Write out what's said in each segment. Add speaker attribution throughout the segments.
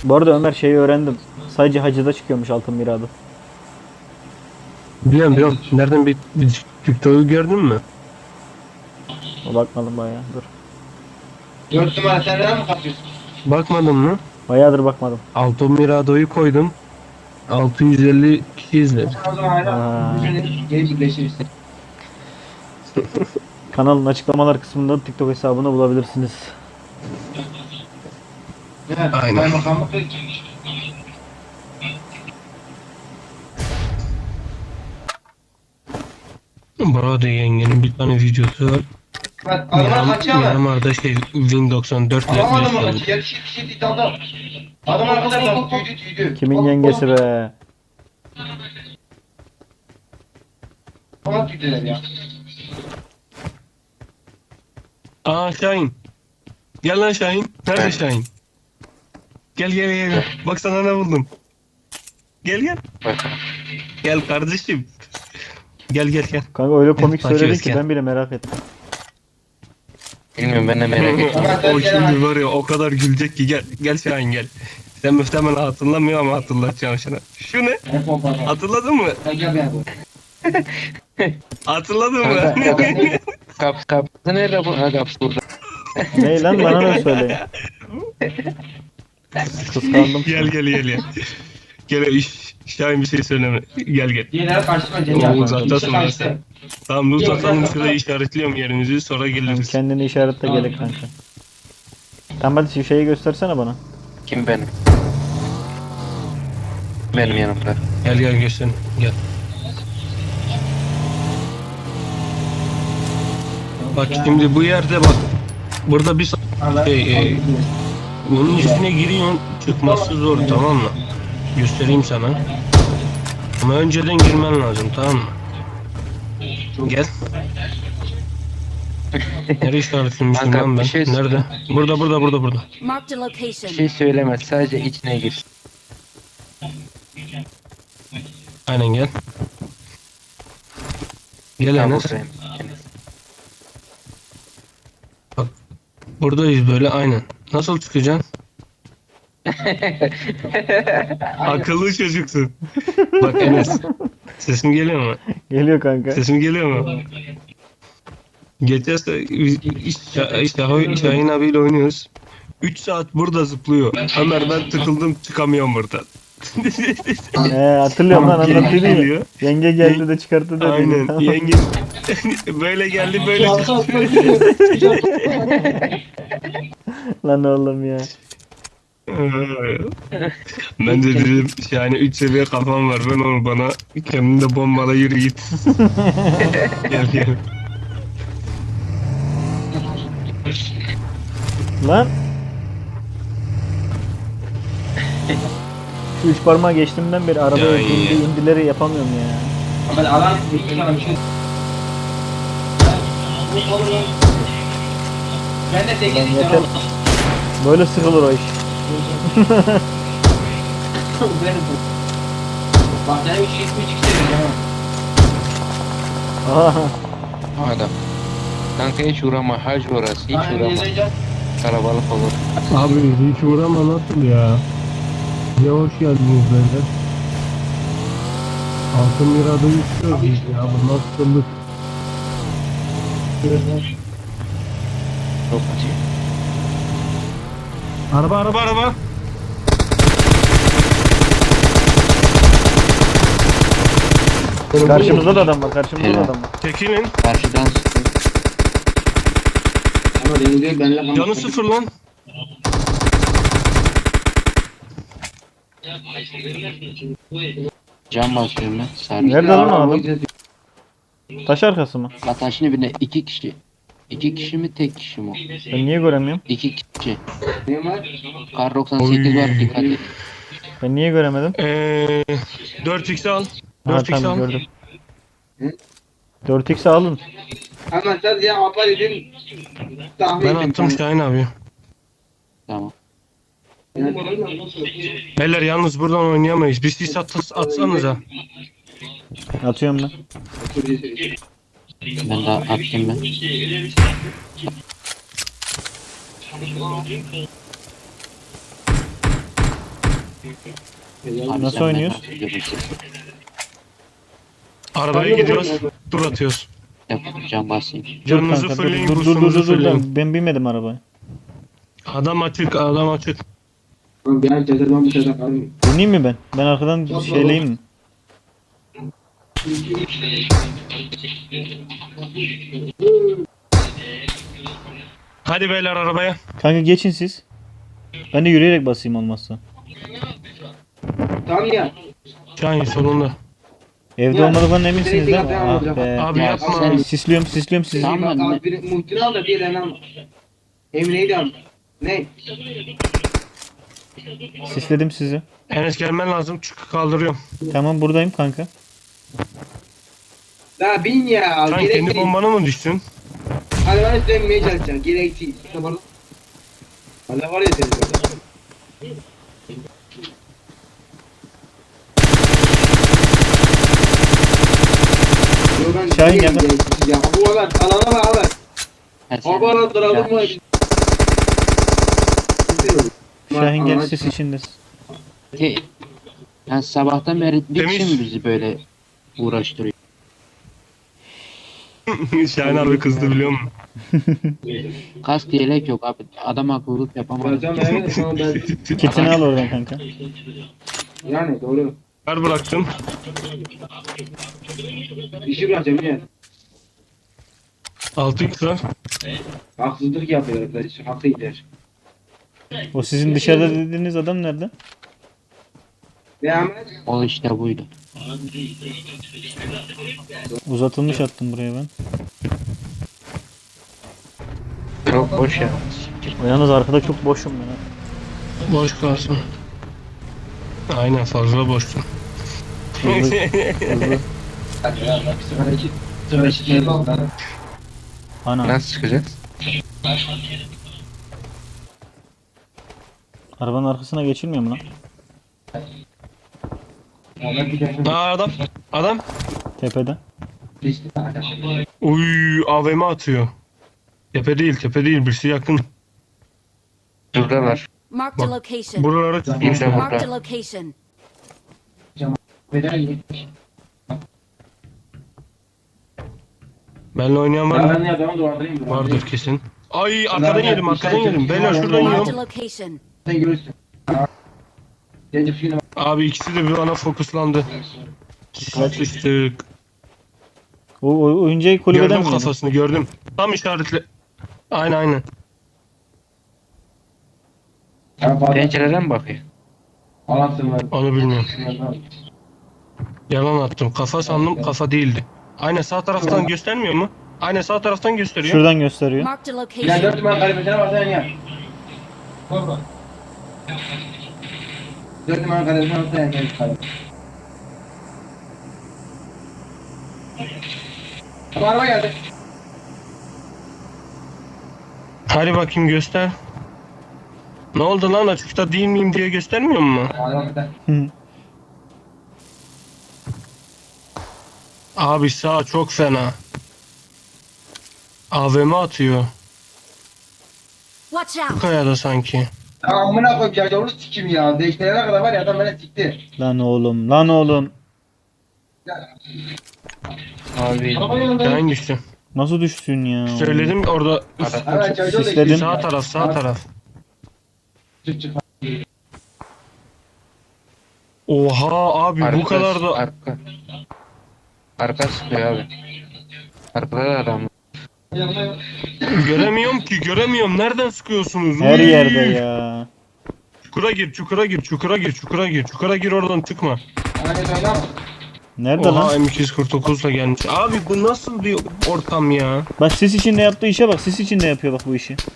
Speaker 1: Bu arada Ömer şeyi öğrendim. Sadece hacıda çıkıyormuş altın miradı.
Speaker 2: Biliyorum. Nereden bir TikTok'u gördün mü?
Speaker 1: O bakmadım bayağı. Dur.
Speaker 3: 4 numara sen neden mi kaçıyorsun?
Speaker 2: Bakmadın mı?
Speaker 1: Bayağıdır bakmadım.
Speaker 2: Alto Mirado'yu koydum. 650 kişi izledi.
Speaker 3: O zaman hala
Speaker 1: Aa.
Speaker 3: geri birleşiriz.
Speaker 1: Kanalın açıklamalar kısmında TikTok hesabını bulabilirsiniz.
Speaker 3: Evet,
Speaker 2: Aynen.
Speaker 3: kaymakamlık ve
Speaker 2: Burada yengenin bir tane videosu var.
Speaker 3: bak adamlar kaçıyor ama.
Speaker 2: Myanmar'da Win 94 ile
Speaker 3: Alamadım
Speaker 2: gösteriyor.
Speaker 3: onu. Yetişir iddiada. Adam arkadaşlar tüydü.
Speaker 1: Kimin yengesi be?
Speaker 3: Ona tüydüler ya.
Speaker 2: Aa Şahin. Gel lan Şahin. Nerede Şahin? Gel. Bak sana ne buldum. Gel. Gel kardeşim. Gel.
Speaker 1: Kanka öyle komik
Speaker 2: Takip
Speaker 1: söyledin
Speaker 2: et,
Speaker 1: ki
Speaker 2: gel.
Speaker 1: ben bile merak ettim.
Speaker 4: Bilmiyorum ben de merak ettim.
Speaker 2: O şimdi var ya o kadar gülecek ki gel Şahin gel. Sen muhtemelen hatırlamıyor ama hatırlatacağım sana. Şu ne? Hatırladın mı?
Speaker 3: Gel be bu.
Speaker 2: Hatırladın mı?
Speaker 4: Kapısı nerede bu? Ha kapısı burada.
Speaker 1: Ne lan bana da söyleyin. Kıskandım.
Speaker 2: Gel. Gel Şahin bir şey söyleme. Gel.
Speaker 3: Diğerleri karşıma
Speaker 2: Oo,
Speaker 3: Cengiz.
Speaker 2: uzaktasın lan sen. Tamam dur satalım şurayı işaretliyorum yerimizi sonra geliriz.
Speaker 1: Kendini işaretle gerek kanka. Tamam hadi şeyi göstersene bana.
Speaker 4: Kim benim? Benim yanımda.
Speaker 2: Gel göster. Gel. Bak şimdi bu yerde bak. Burada bir bunun içine giriyorsun çıkması zor tamam mı? Göstereyim sana. Ama önceden girmen lazım tamam mı? Gel. Nereye işaretlemişim
Speaker 4: Kanka,
Speaker 2: lan ben?
Speaker 4: bir şey-
Speaker 2: Nerede? Burada.
Speaker 5: Marked a
Speaker 4: Bir
Speaker 5: location.
Speaker 4: şey söyleme sadece içine gir.
Speaker 2: Aynen gel. Gel
Speaker 4: Ha,
Speaker 2: Enes.
Speaker 4: buradayım.
Speaker 2: Buradayız böyle aynen. Nasıl çıkacaksın? Akıllı çocuksun. Bak Enes. Sesim geliyor mu?
Speaker 1: Geliyor kanka.
Speaker 2: Sesim geliyor mu? Geçen Şahin abiyle oynuyoruz. 3 saat burada zıplıyor. Ömer ben tıkıldım çıkamıyorum buradan.
Speaker 1: Hatırlıyorum lan
Speaker 2: Yenge
Speaker 1: anlattın ya.
Speaker 2: geliyor.
Speaker 1: Yenge geldi de çıkarttı dedi.
Speaker 2: Aynen.
Speaker 1: Tamam.
Speaker 2: Yenge böyle geldi böyle çıktı.
Speaker 1: Lan oğlum ya.
Speaker 2: Ben de dedim yani 3 seviye kafam var ben onu bana kendini de bombala yürü git. Gel.
Speaker 1: Lan. Şu üç parmağı geçtiğimden beri arabaya
Speaker 2: Ya iyi.
Speaker 1: indileri yapamıyorum ya.
Speaker 3: Ben alan bir sana bir şey. Ben de 8
Speaker 1: Lan
Speaker 3: istiyorum.
Speaker 1: yeter. Böyle sıkılır o iş.
Speaker 3: Bak ben 3 istiyorum.
Speaker 1: Aha.
Speaker 4: Adam. Kanka hiç uğrama hac orası hiç uğrama. Kalabalık olur.
Speaker 2: Abi hiç uğrama nasıl ya? Ya hoş geldiniz beyler. Altın Mirada istiyoruz biz ya bu nasıllık?
Speaker 4: Çok acı.
Speaker 2: Araba.
Speaker 1: Karşımızda da adam var. Karşımızda da
Speaker 4: Helal.
Speaker 1: adam var.
Speaker 2: Tekinin
Speaker 4: Karşıdan sıkıyor.
Speaker 3: Ama deniliyor benimle
Speaker 2: canı sıfır lan.
Speaker 4: Cam basıyorum ben. Sarı.
Speaker 1: Nerede lan o adam? Taş arkası mı?
Speaker 4: Ataşın birine 2 kişi. 2 kişi mi tek kişi mi?
Speaker 1: Ben niye göremiyorum?
Speaker 4: 2 kişi.
Speaker 3: Ne var?
Speaker 4: Kar 98 var dikkat et.
Speaker 1: Ben niye göremedim?
Speaker 2: 4x al.
Speaker 1: Ha
Speaker 2: 4x
Speaker 1: tamam
Speaker 2: al.
Speaker 1: gördüm. 4x alın.
Speaker 3: Ama sen ya apar edin. Tahmin
Speaker 2: Ben
Speaker 3: edin.
Speaker 2: attım Şahin abi.
Speaker 4: Tamam.
Speaker 2: Beyler yalnız buradan oynayamayız. Bir sis atsanıza.
Speaker 1: Atıyorum ben.
Speaker 4: Ben daha attım ben. Abi
Speaker 1: Nasıl
Speaker 4: sen
Speaker 1: oynuyoruz?
Speaker 4: benden görürsün.
Speaker 2: Arabaya gidiyoruz. Tur atıyoruz.
Speaker 4: Yapacağım basayım.
Speaker 1: Dur
Speaker 2: Canınızı
Speaker 1: kanka,
Speaker 2: fırlayın,
Speaker 1: dur
Speaker 2: boostunuzu fırlayın.
Speaker 1: ben binmedim arabaya.
Speaker 2: Adam açık, adam açık.
Speaker 3: Ben cezerden bir şeyden kalmıyorum.
Speaker 1: Bineyim mi ben? Ben arkadan şeyleyeyim mi?
Speaker 2: Hadi beyler arabaya.
Speaker 1: Kanka geçin siz. Ben de yürüyerek basayım olmazsa.
Speaker 3: Tamam ya.
Speaker 2: Şahin sonunda.
Speaker 1: Evde
Speaker 3: Ya,
Speaker 1: olmadıklarından eminsiniz değil mi?
Speaker 3: direkt
Speaker 1: Ah
Speaker 3: yapacağım.
Speaker 1: be.
Speaker 2: Abi
Speaker 4: Ya
Speaker 2: yapma.
Speaker 4: sen-
Speaker 1: Sisliyorum sizi.
Speaker 4: Tamam.
Speaker 3: Abi bir muhtemelen al da bir elden al. Emine'yi al. Ne?
Speaker 1: Sisledim sizi.
Speaker 2: Enes gelmen lazım. Çık kaldırıyorum.
Speaker 1: Tamam buradayım kanka.
Speaker 3: Daha bin ya.
Speaker 2: Sen
Speaker 3: Gerek
Speaker 2: kendi
Speaker 3: değil.
Speaker 2: bombana mı düştün?
Speaker 3: Hadi bana üstlenmeye çalışacağım. Gerek değil. Valla var ya senin orada. Yo ben
Speaker 1: Şahin
Speaker 3: değilim,
Speaker 1: geldi.
Speaker 3: gereksiz ya. Bu olan alana bak alana.
Speaker 4: Ha, sen-
Speaker 3: Abana duralım mı?
Speaker 1: Şahin gel sis içindesin.
Speaker 4: Ki, yani sabahtan beri bir
Speaker 2: Temiz.
Speaker 4: kişi mi bizi böyle uğraştırıyor?
Speaker 2: Şahin abi kızdı biliyor musun?
Speaker 4: Kask yelek yok abi. Adam akıllılık yapamadı.
Speaker 3: Hocam evet şu an ben
Speaker 1: Kitini al oradan kanka.
Speaker 3: yani doğru.
Speaker 2: Ver bıraktım.
Speaker 3: İşi bırakacağım ya.
Speaker 2: 6x var.
Speaker 3: Haksızlık yapıyor arkadaş. Hakkı gider.
Speaker 1: O sizin dışarıda dediğiniz adam nerede?
Speaker 3: Devam et.
Speaker 4: O işte buydu.
Speaker 1: Uzatılmış attım buraya ben.
Speaker 4: Çok boş ya.
Speaker 1: O yalnız arkada çok boşum ben. Ha.
Speaker 2: Boş kalsın. Aynen fazla boştun.
Speaker 1: Hızlı. Ana.
Speaker 4: Nasıl çıkacağız?
Speaker 1: Arabanın arkasına geçilmiyor mu lan?
Speaker 2: Aa adam. Adam.
Speaker 1: Tepede.
Speaker 2: Uy AVM atıyor. Tepe değil birisi yakın.
Speaker 4: Şuradalar.
Speaker 5: Marked a location.
Speaker 2: Buralara
Speaker 4: Bir de
Speaker 2: tutmuşlar.
Speaker 5: Marked a
Speaker 4: burada.
Speaker 5: location.
Speaker 2: Benle oynayan var mı?
Speaker 3: Ben de adamı dolandırayım.
Speaker 2: Vardır kesin. Ay arkadan yedim. Beyler şuradan
Speaker 5: Marked a
Speaker 2: yiyorum.
Speaker 5: location.
Speaker 3: Sen görürsün. Gelecek şimdi
Speaker 2: Abi ikisi de bir bana fokuslandı. Sıçtık.
Speaker 1: O oyuncağı kulübeden
Speaker 2: Gördüm
Speaker 1: mi yedin?
Speaker 2: kafasını gördüm. Tam işaretle. Aynen.
Speaker 4: Pencereden mi bakıyor?
Speaker 3: Anlatsın ben.
Speaker 2: Onu bilmiyorum. Yalan attım. Kafa sandım kafa değildi. Aynen sağ taraftan göstermiyor mu? Aynen sağ taraftan gösteriyor.
Speaker 1: Şuradan gösteriyor.
Speaker 5: Marked a
Speaker 3: Ya
Speaker 5: location.
Speaker 3: 4 numara kalemesine basacaksın ya. 4 numara kalemesine basacaksın ya. Bu araba geldi.
Speaker 2: Hadi bakayım göster. Ne oldu lan açıkta değil miyim diye göstermiyor mu?
Speaker 3: Araba gider.
Speaker 1: Hı.
Speaker 2: Abi sağ çok fena. AVM atıyor.
Speaker 5: Watch
Speaker 2: Bu
Speaker 5: out.
Speaker 2: kayada sanki.
Speaker 3: Ya amına koyayım ya yavru sikim ya. Değiştirene kadar var ya adam beni sikti.
Speaker 1: Lan oğlum.
Speaker 4: Abi
Speaker 3: Araba yanında.
Speaker 2: Hangisi?
Speaker 1: Nasıl düştün ya?
Speaker 2: Söyledim orada
Speaker 3: Evet çocuğu da
Speaker 1: Sisledim.
Speaker 2: sağ taraf.
Speaker 3: Çık çık.
Speaker 2: Oha abi bu
Speaker 4: arka,
Speaker 2: kadar da
Speaker 4: arka. Arka sıkıyor abi. Arkada da adam.
Speaker 3: Yanına
Speaker 2: göremiyorum. Nereden sıkıyorsunuz?
Speaker 1: Her
Speaker 2: Uy!
Speaker 1: yerde ya.
Speaker 2: Çukura gir oradan çıkma.
Speaker 3: Aynen öyle ama.
Speaker 1: Nerede
Speaker 2: Oha
Speaker 1: lan?
Speaker 2: M249'la gelmiş. Abi bu nasıl bir ortam ya?
Speaker 1: Bak sis içinde yaptığı işe bak. Sis içinde yapıyor bak bu işi.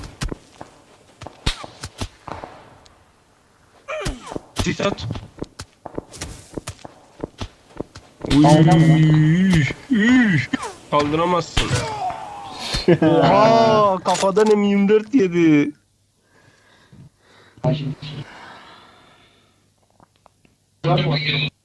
Speaker 2: Sis at. Uy, uy. Kaldıramazsın. Oha kafadan M24 yedi.
Speaker 3: Var mı?